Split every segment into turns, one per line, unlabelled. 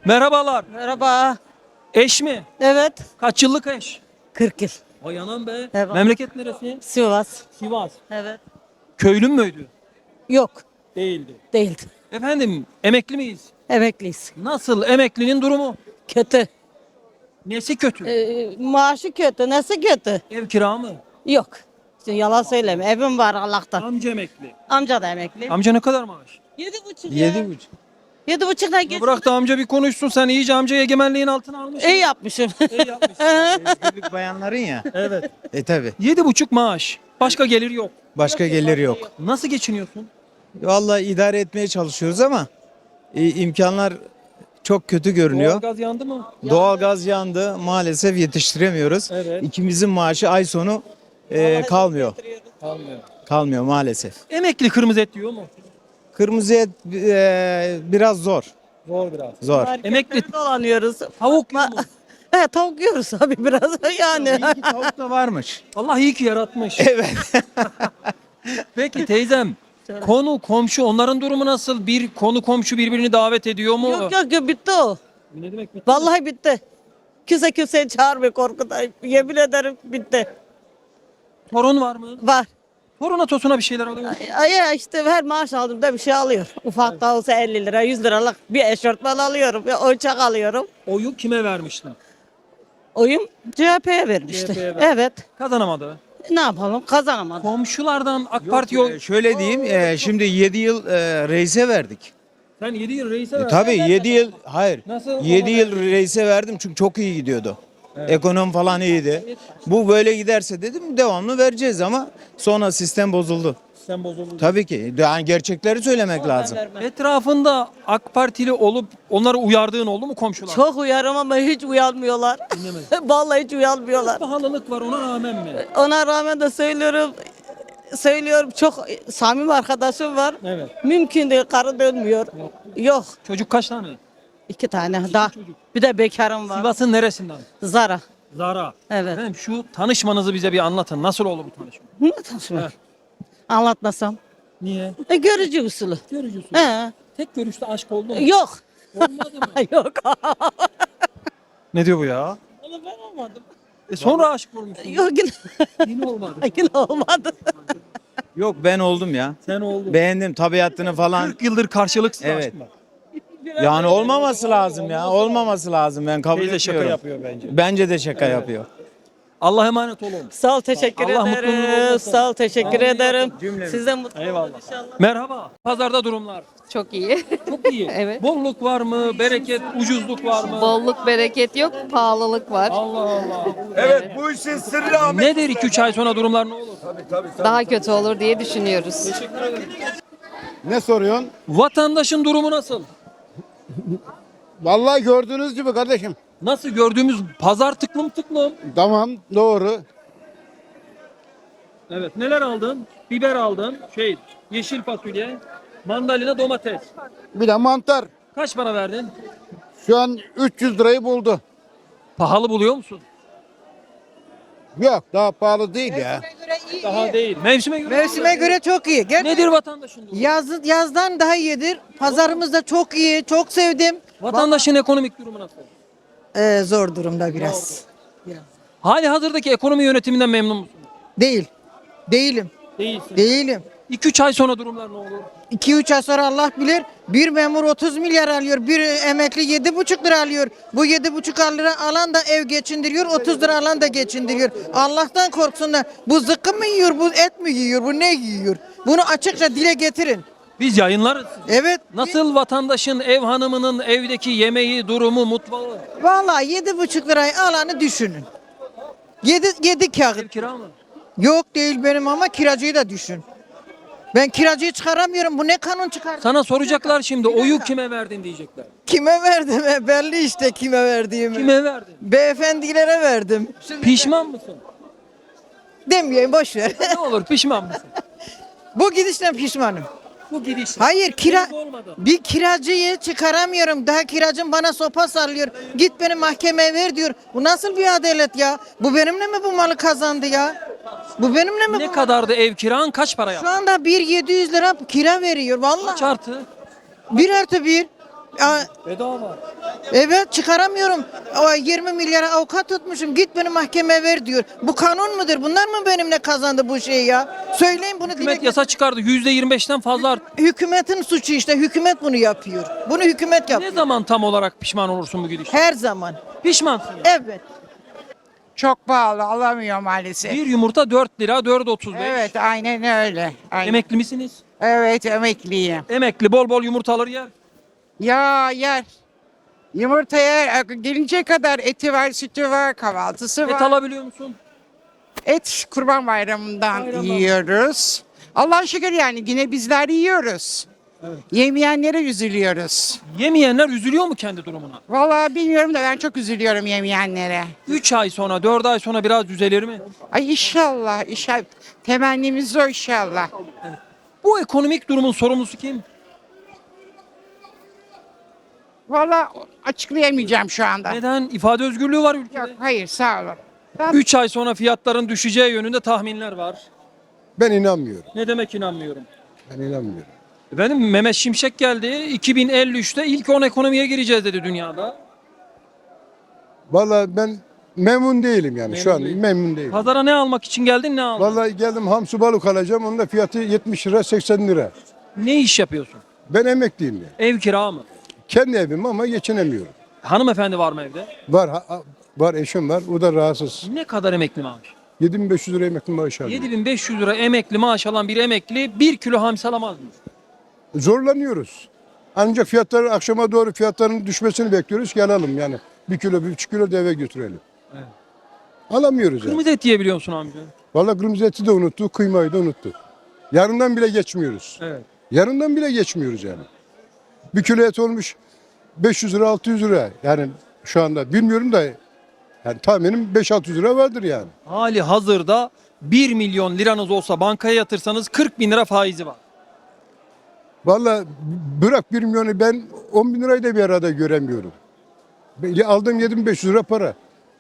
Merhabalar.
Merhaba.
Eş mi?
Evet.
Kaç yıllık eş?
40 yıl.
Vay anam be.
Evet.
Memleket neresi?
Sivas.
Sivas.
Evet.
Köylü müydü?
Yok.
Değildi.
Değildi.
Efendim emekli miyiz?
Emekliyiz.
Nasıl emeklinin durumu?
Kötü.
Nesi kötü?
Maaşı kötü. Nasıl kötü?
Ev kira mı?
Yok. Şimdi yalan söyleme. Evim var Allah'tan.
Amca emekli.
Amca da emekli.
Amca ne kadar maaş?
7,5 ya.
7,5.
7,5'dan geç.
Bırak da amca bir konuşsun, sen iyice amca egemenliğin altına almışsın.
İyi yapmışım.
İyi yapmışsın.
Özgürlük bayanların ya.
Evet.
Tabi.
7,5 maaş. Başka gelir yok.
Başka gelir yok.
Nasıl geçiniyorsun?
Vallahi idare etmeye çalışıyoruz ama imkanlar çok kötü görünüyor.
Doğalgaz yandı mı?
Doğalgaz yandı. Maalesef yetiştiremiyoruz.
Evet.
İkimizin maaşı ay sonu kalmıyor.
Kalmıyor.
Kalmıyor maalesef.
Emekli kırmızı et yiyor mu?
Kırmızı et biraz zor.
Zor biraz.
Zor.
Emekli
dolanıyoruz.
tavuk yiyor mu?
He, tavuk yiyoruz abi biraz yani.
İyi ki tavuk da varmış.
Allah iyi ki yaratmış.
Evet.
Peki teyzem, konu komşu onların durumu nasıl? Bir konu komşu birbirini davet ediyor mu?
Yok bitti o.
Ne demek bitti?
Vallahi bitti. Kimse kimseyi çağırmıyor korkudan. Yemin ederim bitti.
Torun var mı?
Var.
Toruna tosuna bir şeyler alıyor mu?
Ay işte her maaş aldığımda bir şey alıyor. Ufak da olsa 50 lira 100 liralık bir eşortman alıyorum. Bir oyuncak alıyorum.
Oyu kime vermiştin?
Oyum CHP'ye vermişti.
CHP'ye verdi.
Evet.
Kazanamadı.
Ne yapalım kazanamadım.
Komşulardan AK Parti yok.
Şöyle diyeyim, şimdi 7 yıl reise verdik.
Sen 7 yıl reise verdin.
Tabii 7 yıl, hayır.
Nasıl
7
ona
yıl reise verdim çünkü çok iyi gidiyordu. Ekonomi falan iyiydi. Bu böyle giderse dedim devamlı vereceğiz ama sonra sistem bozuldu.
Sen bozuldun.
Tabii ki. Yani gerçekleri söylemek lazım.
Etrafında AK Partili olup onları uyardığın oldu mu komşular?
Çok uyarım ama hiç uyanmıyorlar. Vallahi hiç uyanmıyorlar.
Pahalılık var, ona rağmen mi?
Ona rağmen de söylüyorum çok samimi arkadaşım var.
Evet.
Mümkün değil karı dönmüyor. Yok.
Çocuk kaç tane?
2 tane daha. Bir de bekarım var.
Sivas'ın neresinden?
Zara.
Zara.
Evet.
Efendim şu tanışmanızı bize bir anlatın. Nasıl oldu bu tanışma?
Ne tanışmak? Anlatmasam.
Niye?
Görücü usulü.
Görücüsün.
He.
Tek görüşte aşk oldu mu?
Yok.
Olmadı mı?
Yok.
Ne diyor bu ya?
Oğlum ben olmadım.
Sonra aşık olmuşsun.
Yok yine,
Yine olmadı.
yine olmadı.
Yok ben oldum ya.
Sen oldun.
Beğendim tabiatını falan.
40 yıldır karşılıksız
Evet.
aşk var.
Yani olmaması lazım ya. Olmaması lazım. Ben kabul
Teyze
etmiyorum.
şaka yapıyor bence.
Bence de şaka yapıyor.
Allah emanet olun.
Sağ ol teşekkür
Allah mutluluğunu
ederim.
olsun.
Sağ ol teşekkür ederim.
Cümlemiz.
Siz de mutlu olun
Eyvallah.
inşallah.
Merhaba. Pazarda durumlar.
Çok iyi.
Çok iyi.
Evet.
Bolluk var mı? Bereket, ucuzluk var mı?
Bolluk bereket yok, pahalılık var.
Allah Allah.
Evet, bu işin sırrı Ahmet.
Nedir 2-3 ay sonra durumlar ne olur?
Daha kötü olur diye düşünüyoruz.
Ne soruyorsun?
Vatandaşın durumu nasıl?
Vallahi gördüğünüz gibi kardeşim.
Nasıl gördüğümüz pazar tıklım tıklım.
Tamam, doğru.
Evet. Neler aldın? Biber aldın. Yeşil fasulye, mandalina, domates.
Bir de mantar.
Kaç para verdin?
Şu an 300 lirayı buldu.
Pahalı buluyor musun?
Yok, daha pahalı değil ya.
Daha değil. Mevsime göre.
Mevsime göre çok iyi.
Nedir vatandaşın durumu?
Yazdan daha iyidir. Pazarımız da çok iyi. Çok sevdim.
Vatandaşın ekonomik durumu nasıl?
Zor durumda biraz.
Hali hazırdaki ekonomi yönetiminden memnun musun?
Değil. Değilim.
Değilsin.
Değilim.
2-3 ay sonra durumlar ne olur?
2-3 ay sonra Allah bilir. Bir memur 30 milyar alıyor. Bir emekli 7,5 lira alıyor. Bu 7,5 lira alan da ev geçindiriyor. 30 lira alan da geçindiriyor. Allah'tan korksunlar. Bu zıkkı mı yiyor? Bu et mi yiyor? Bu ne yiyor? Bunu açıkça dile getirin.
Biz yayınlarız.
Evet.
Nasıl vatandaşın, ev hanımının evdeki yemeği, durumu, mutfağı?
Vallahi 7,5 lirayı alanı düşünün. 7
Ev
kağıt.
kira mı?
Yok değil benim ama kiracıyı da düşün. Ben kiracıyı çıkaramıyorum. Bu ne kanun çıkar?
Sana soracaklar şimdi oyu kime verdin diyecekler.
Kime verdim? Belli işte kime verdiğimi.
Kime verdin?
Beyefendilere verdim.
Pişman mısın?
Demeyeyim boş ver.
Ne olur pişman mısın?
Bu gidişten pişmanım.
Bu gidiş.
Hayır
Olmadı.
bir kiracıyı çıkaramıyorum. Daha kiracım bana sopa sallıyor. Git beni mahkemeye ver diyor. Bu nasıl bir adalet ya? Bu benimle mi bu malı kazandı ya? Bu benimle mi
Ne
bu
kadardı ev kiran, kaç para
Şu
yaptı?
anda 700 lira kira veriyor
Kaç
vallahi.
artı?
1+1.
Bedava.
Evet çıkaramıyorum. O 20 milyara avukat tutmuşum. Git beni mahkemeye ver diyor. Bu kanun mudur? Bunlar mı benimle kazandı bu şeyi ya? Söyleyin bunu.
Hükümet yasa çıkardı. %25'ten fazla arttı.
Hükümetin suçu işte. Hükümet bunu yapıyor. Bunu hükümet
Ne
yapıyor.
zaman tam olarak pişman olursun bu gidişten?
Her zaman.
Pişmansın yani.
Evet.
Çok pahalı alamıyor maalesef.
Bir yumurta 4 lira, 4.35.
Evet aynen öyle. Aynen.
Emekli misiniz?
Evet emekliyim.
Emekli bol bol yumurta alır yer.
Ya yer. Yumurtaya gelince kadar eti var, sütü var, kahvaltısı var.
Et alabiliyor musun?
Et Kurban Bayramı'ndan
Bayramdan.
yiyoruz. Allah'a şükür yani yine bizler yiyoruz. Yemeyenlere üzülüyoruz.
Yemeyenler üzülüyor mu kendi durumuna?
Vallahi bilmiyorum da ben çok üzülüyorum yemeyenlere.
3 ay sonra, 4 ay sonra biraz düzelir mi?
Ay inşallah, inşallah. Temennimiz o inşallah.
Bu ekonomik durumun sorumlusu kim?
Vallahi açıklayamayacağım şu anda.
Neden? İfade özgürlüğü var
Yok
ülkede.
hayır sağ olun. Ben
3 ay sonra fiyatların düşeceği yönünde tahminler var.
Ben inanmıyorum.
Ne demek inanmıyorum?
Ben inanmıyorum.
Efendim Mehmet Şimşek geldi. 2053'te ilk 10 ekonomiye gireceğiz dedi dünyada.
Vallahi ben memnun değilim yani şu an
değil.
memnun değilim.
Pazara ne almak için geldin, ne aldın?
Vallahi geldim hamsi balık alacağım. Onun da fiyatı 70 lira 80 lira.
Ne iş yapıyorsun?
Ben emekliyim ya.
Ev kira mı?
Kendi evim ama geçinemiyorum.
Hanımefendi var mı evde?
Var eşim var. O da rahatsız.
Ne kadar emekli maaş?
7500 lira emekli maaşı alıyor.
7500 lira emekli maaş alan bir emekli 1 kilo hamsi alamaz mı?
Zorlanıyoruz. Ancak fiyatları akşama doğru fiyatların düşmesini bekliyoruz ki alalım yani. 1 kilo 1,5 kilo da eve götürelim.
Evet.
Alamıyoruz yani.
Kırmızı et yiyebiliyor musun amca?
Vallahi kırmızı eti de unuttuk, kıymayı da unuttuk. Yarından bile geçmiyoruz.
Evet.
Yarından bile geçmiyoruz yani. Bir kilo et olmuş 500 lira 600 lira. Yani şu anda bilmiyorum da yani tahminim 5-600 lira vardır yani.
Hali hazırda 1 milyon liranız olsa bankaya yatırsanız 40 bin lira faizi var.
Vallahi bırak 1 milyonu ben 10 bin lirayı da bir arada göremiyorum. Aldığım 7500 lira para.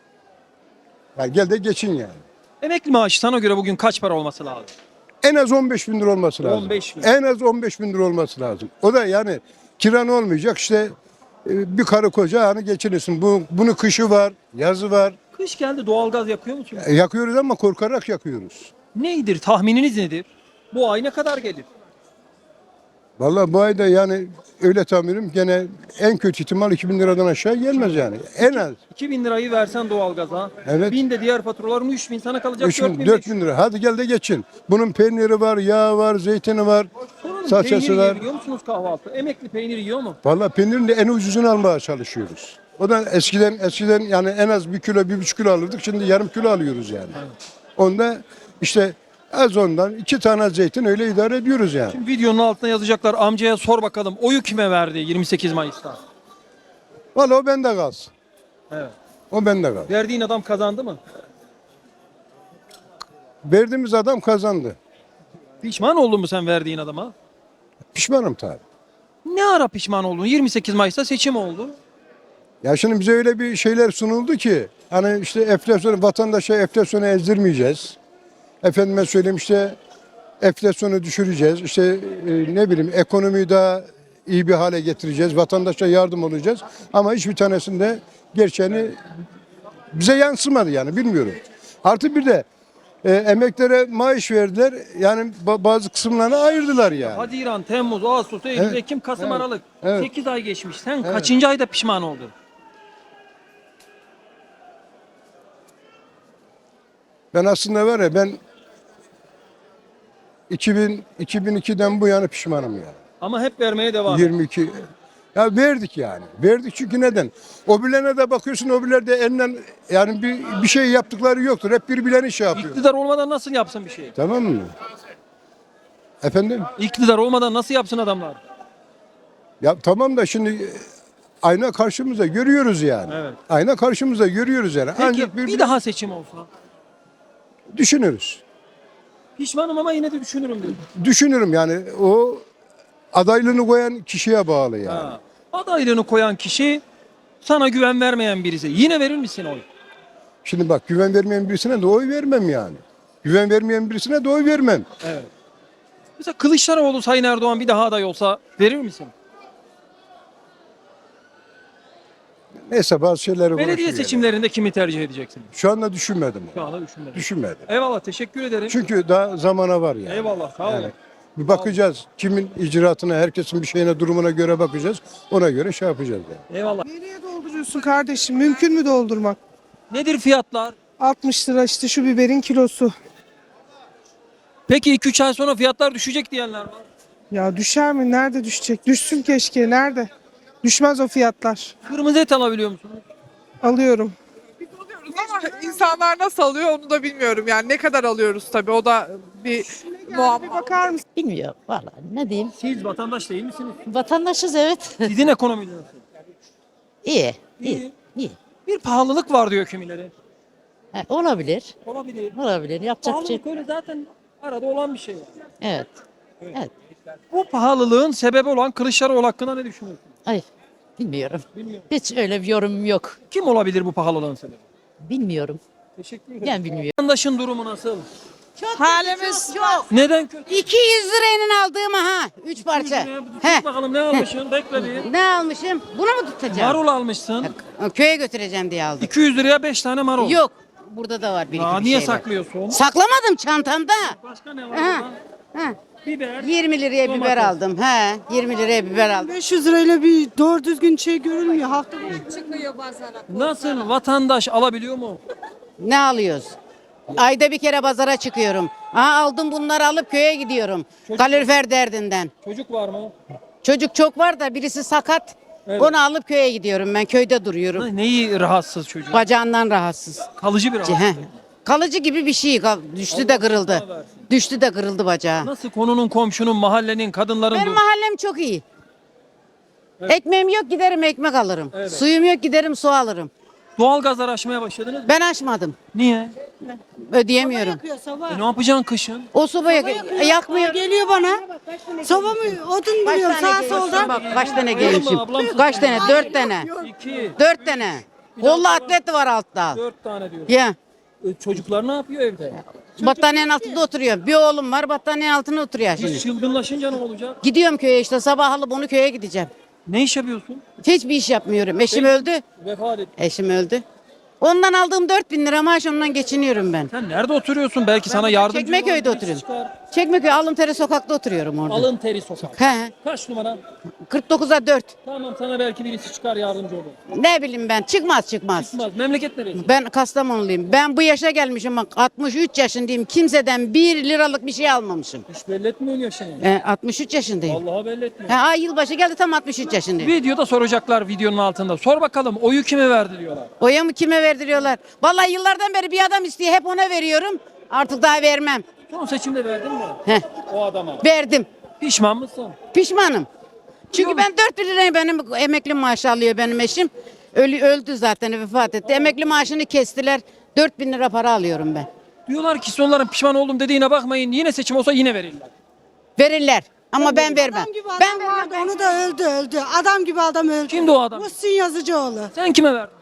Yani gel de geçin yani.
Emekli maaşı sana göre bugün kaç para olması lazım?
En az 15 bin lira olması lazım.
15 bin.
En az 15 bin lira olması lazım. O da yani kiran olmayacak işte bir karı koca hani geçinirsin. Bunun kışı var, yazı var.
Kış geldi, doğalgaz yakıyor musun?
Yakıyoruz ama korkarak yakıyoruz.
Nedir? Tahmininiz nedir? Bu ay ne kadar gelir?
Vallahi bu ayda yani öyle tahminim gene en kötü ihtimal 2000 liradan aşağı gelmez yani. En az
2000 lirayı versen doğalgaza.
Evet.
1000 de diğer faturaların 3000 sana kalacak
3000 4000 lira. Hadi gel de geçin. Bunun peyniri var, yağı var, zeytini var, salçası
Peynir
var.
yiyebiliyor musunuz kahvaltı? Emekli peynir yiyor mu?
Vallahi peynirin de en ucuzunu almaya çalışıyoruz. O da eskiden yani en az 1 kilo 1,5 kilo alırdık. Şimdi yarım kilo alıyoruz yani. Onda işte az ondan 2 tane zeytin öyle idare ediyoruz yani.
Şimdi videonun altına yazacaklar, amcaya sor bakalım oyu kime verdi 28 Mayıs'ta?
Vallahi o bende kalsın.
Evet.
O bende kalsın.
Verdiğin adam kazandı mı?
Verdiğimiz adam kazandı.
Pişman oldun mu sen verdiğin adama?
Pişmanım tabii.
Ne ara pişman oldun? 28 Mayıs'ta seçim oldu.
Ya şimdi bize öyle bir şeyler sunuldu ki hani işte enflasyonu vatandaşa enflasyonu ezdirmeyeceğiz. Efendime söyleyeyim işte enflasyonu düşüreceğiz. İşte ne bileyim ekonomiyi daha iyi bir hale getireceğiz. Vatandaşa yardım olacağız. Ama hiçbir tanesinde gerçeğini bize yansımadı yani bilmiyorum. Artı bir de emeklere maaş verdiler. Yani bazı kısımlarını ayırdılar yani.
Haziran, Temmuz, Ağustos, Eylül,
Evet,
Ekim, Kasım,
evet,
Aralık.
evet.
8 ay geçmiş. Sen kaçıncı ayda pişman oldun?
Ben aslında var ya ben 2002'den bu yana pişmanım yani.
Ama hep vermeye devam.
22. Ya verdik yani. Verdik çünkü neden? Obilerine de bakıyorsun obiler de elinden yani bir şey yaptıkları yoktur. Hep birbirlerine şey yapıyor.
İktidar olmadan nasıl yapsın bir şey?
Tamam mı? Efendim?
İktidar olmadan nasıl yapsın adamlar?
Ya tamam da şimdi ayna karşımıza görüyoruz yani.
Evet.
Ayna karşımıza görüyoruz yani.
Peki
Ancak
bir daha seçim olsa?
düşünürüz.
Pişmanım ama yine de düşünürüm diyor.
Düşünürüm yani o adaylığını koyan kişiye bağlı yani.
Ha. Adaylığını koyan kişi sana güven vermeyen birisi. Yine verir misin oy?
Şimdi bak güven vermeyen birisine de oy vermem yani. Güven vermeyen birisine de oy vermem.
Evet. Mesela Kılıçdaroğlu Sayın Erdoğan bir daha aday olsa verir misin?
Neyse bazı şeyleri
Belediye
konuşuyor.
seçimlerinde kimi tercih edeceksiniz?
Şu anda düşünmedim.
Şu anda düşünmedim.
Düşünmedim.
Eyvallah, teşekkür ederim.
Çünkü daha zamana var yani.
Eyvallah, sağ olun.
Yani bir bakacağız. Kimin icraatına, herkesin bir şeyine, durumuna göre bakacağız. Ona göre şey yapacağız yani.
Eyvallah.
Nereye dolduruyorsun kardeşim? Mümkün mü doldurmak?
Nedir fiyatlar?
60 lira işte şu biberin kilosu.
Peki 2-3 ay sonra fiyatlar düşecek diyenler var.
Ya düşer mi? Nerede düşecek? Düşsün keşke. Nerede? Düşmez o fiyatlar.
Kırmızı et alabiliyor musunuz?
Alıyorum.
Ama insanlar nasıl alıyor onu da bilmiyorum. Yani ne kadar alıyoruz tabii o da bir
Bir
muamma.
bakar mısın?
Bilmiyorum valla ne diyeyim.
Siz vatandaş değil misiniz?
Vatandaşız evet.
Sizin ekonominiz nasıl?
iyi.
İyi. Bir pahalılık var diyor kimileri.
Olabilir.
Olabilir.
Olabilir. Yapacak bir şey.
Pahalılık öyle zaten arada olan bir şey.
Evet. Evet.
Bu pahalılığın sebebi olan Kılıçdaroğlu hakkında ne düşünüyorsunuz?
Ay bilmiyorum.
Bilmiyorum.
Hiç öyle bir yorumum yok.
Kim olabilir bu pahalılığın sebebi?
Bilmiyorum.
Teşekkür ederim.
Ben bilmiyorum.
Vatandaşın durumu nasıl?
Halimiz
Neden kötü?
200 lirayla aldığım ha 3 parça.
Tut bakalım ne almışsın? Bekle bir.
Ne almışım? Bunu mu tutacağım?
Marul almışsın.
Köye götüreceğim diye aldım.
200 liraya 5 tane marul.
Yok. Burada da var bir iki
Aa,
bir
niye
şey var.
saklıyorsun?
Saklamadım çantamda.
Başka ne var
Ha.
orada?
Ha.
Biber.
20 liraya biber
Domates.
aldım. He, 20 liraya biber aldım.
500 lirayla bir doğru düzgün şey görülmüyor. Hafta
Nasıl? Vatandaş alabiliyor mu?
Ne alıyoruz? Ayda bir kere pazara çıkıyorum. Aldım bunları alıp köye gidiyorum. Kalorifer derdinden.
Çocuk var mı?
Çocuk çok var da birisi sakat.
Evet.
Onu alıp köye gidiyorum. Ben köyde duruyorum.
Neyi rahatsız çocuk?
Bacağından rahatsız.
Kalıcı bir
Heh.
rahatsızlık.
Kalıcı gibi bir şey. Düştü de kırıldı.
versin.
Düştü de kırıldı bacağı.
Nasıl konunun, komşunun, mahallenin, kadınların
Benim
durumu?
mahallem çok iyi. Ekmeğim yok giderim ekmek alırım.
Evet.
Suyum yok giderim su alırım.
Doğalgazlar aşmaya başladınız mı?
Ben açmadım.
Niye?
Ödeyemiyorum.
Ne yapacaksın kışın?
O sobayı yakmıyor.
geliyor bana. Soba mı? Odun
Kaç
buluyor
tane
sağa
gelmişim
solda.
bak kaç tane gelmişim.
ablam?
Kaç tane? 4 tane.
2,
4 tane. Kollu atlet var altta.
4 tane diyor.
Ya
Çocuklar ne yapıyor evde?
battaniyenin altında oturuyor. Bir oğlum var battaniyenin altında oturuyor şimdi.
Çılgınlaşınca ne olacak?
Gidiyorum köye işte sabah alıp onu köye gideceğim.
Ne iş yapıyorsun?
Hiçbir iş yapmıyorum. Eşim öldü.
Vefat et.
Eşim öldü. Ondan aldığım 4.000 lira maaş ondan geçiniyorum ben.
Sen nerede oturuyorsun? Belki sana yardımcı
Çekmeköy'de
olan birisi
oturuyorum.
çıkar.
Çekmeköy Alıntere sokakta oturuyorum orada.
Alın teri sokak.
He.
Kaç numara?
49'a 4.
Tamam, sana belki birisi çıkar, yardımcı olur.
Ne bileyim ben çıkmaz.
Çıkmaz. Memleket neresi?
Ben Kastamonuluyum. Ben bu yaşa gelmişim bak 63 yaşındayım. Kimseden 1 liralık bir şey almamışım.
Hiç belli etmiyorsun yaşını.
63 yaşındayım.
Vallahi belli etmiyor.
Yılbaşı geldi tam 63 yaşındayım.
Videoda soracaklar, videonun altında. Sor bakalım, oyu kime verdi diyorlar.
Oya mı kime verdiriyorlar? Vallahi yıllardan beri bir adam istiyor hep ona veriyorum. Artık daha vermem.
Son seçimde verdin mi?
Heh,
O adama.
verdim.
Pişman mısın?
Pişmanım. Çünkü ben 4 liraya benim emekli maaşı alıyor benim eşim. Öldü zaten vefat etti. Emekli maaşını kestiler. 4.000 lira para alıyorum ben.
Diyorlar ki sonların pişman oldum dediğine bakmayın. Yine seçim olsa yine verirler.
Verirler. Ama ben vermem.
Adam gibi
Ben
adam vardı, onu da öldü. Adam gibi adam öldü.
Kimdi o adam?
Muhsin Yazıcıoğlu.
Sen kime verdin?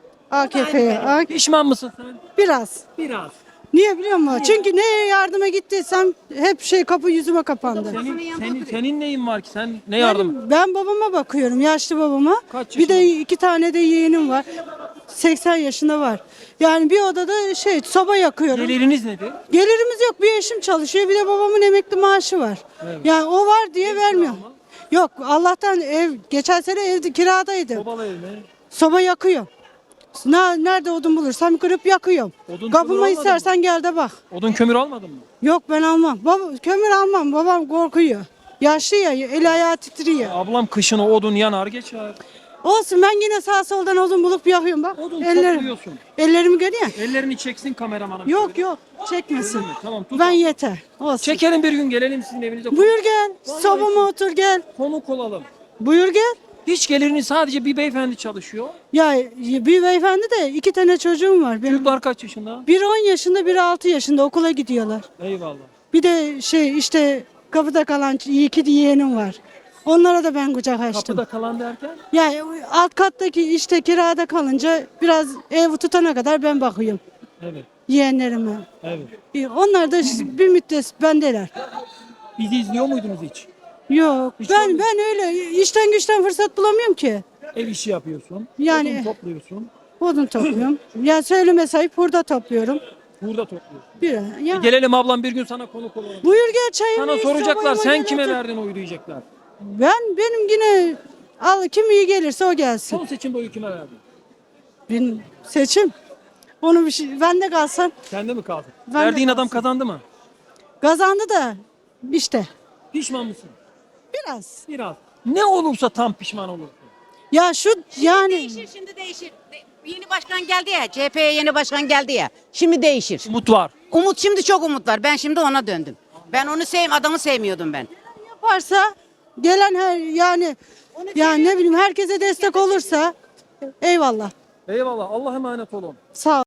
AKP'ye.
Pişman mısın sen?
Biraz.
Biraz.
Niye biliyor musun? Çünkü neye yardıma gittiysem hep kapı yüzüme kapandı.
Senin neyin var ki? Sen ne yardım?
Ben babama bakıyorum, yaşlı babama.
Kaç
Bir de 2 tane de yeğenim var. 80 yaşında var. Yani bir odada soba yakıyorum.
Geliriniz nedir?
Gelirimiz yok. Bir eşim çalışıyor, bir de babamın emekli maaşı var. Yani o var diye vermiyor. Yok, Allah'tan geçen sene evde kiradaydı.
Sobalı ev mi?
Soba yakıyor. Nerede odun bulursam kırıp yakıyorum.
Odun kömür
Kapıma
almadın
istersen gel de bak.
Odun kömür almadın mı?
Yok ben almam. Kömür almam. Babam korkuyor. Yaşlı ya, eli ayağı titriyor.
Ablam kışın o odun yanar geçer.
Olsun, ben yine sağ soldan odun bulup yakıyorum bak.
Odun topluyorsun.
Ellerimi görüyor.
Ellerini çeksin kameramanım.
Yok çekmesin.
Tamam, tut.
Ben yeter. Olsun.
Çekelim bir gün, gelelim sizin evinize.
Buyur gel. Sobama otur gel.
Konuk olalım.
Buyur gel.
Hiç gelirini sadece bir beyefendi çalışıyor.
Ya bir beyefendi de 2 tane çocuğum var. Benim.
Çocuklar kaç yaşında?
Biri 10 yaşında, biri 6 yaşında okula gidiyorlar.
Eyvallah.
Bir de işte kapıda kalan 2 yeğenim var. Onlara da ben kucak açtım.
Kapıda kalan derken?
Ya alt kattaki işte kirada kalınca biraz ev tutana kadar ben bakıyorum
Evet.
yeğenlerime.
Evet.
Onlar da bir müddet bendeler.
Bizi izliyor muydunuz hiç?
Yok.
Hiç
Ben öyle işten güçten fırsat bulamıyorum ki.
Ev işi yapıyorsun.
Yani-
Odun topluyorsun.
Odun topluyorum. Ya söyleme sayıp burada topluyorum.
Burada topluyorsun.
Ya.
Gelelim ablam bir gün sana konuk olalım.
Buyur gel çayımı
Sana
iç,
soracaklar
sobayı
sen
gel
kime
otur.
verdin oyu diyecekler.
Benim yine kim iyi gelirse o gelsin.
Son seçimde oyu kime verdin?
Benim seçim. Onu bir şey, bende kalsın.
Sende mi kaldı?
Ben de
Verdiğin adam
kalsın.
kazandı mı?
Kazandı da işte
Pişman mısın?
biraz.
Biraz. Ne olursa tam pişman olursun.
Ya şu yani
Değişir şimdi değişir. Yeni başkan geldi ya. CHP'ye yeni başkan geldi ya. Şimdi değişir.
Umut var.
Umut şimdi çok umut var. Ben şimdi ona döndüm. Ben onu adamı sevmiyordum ben.
yaparsa gelen her yani ne bileyim herkese destek olursa eyvallah.
Eyvallah. Allah emanet olun.
Sağ ol.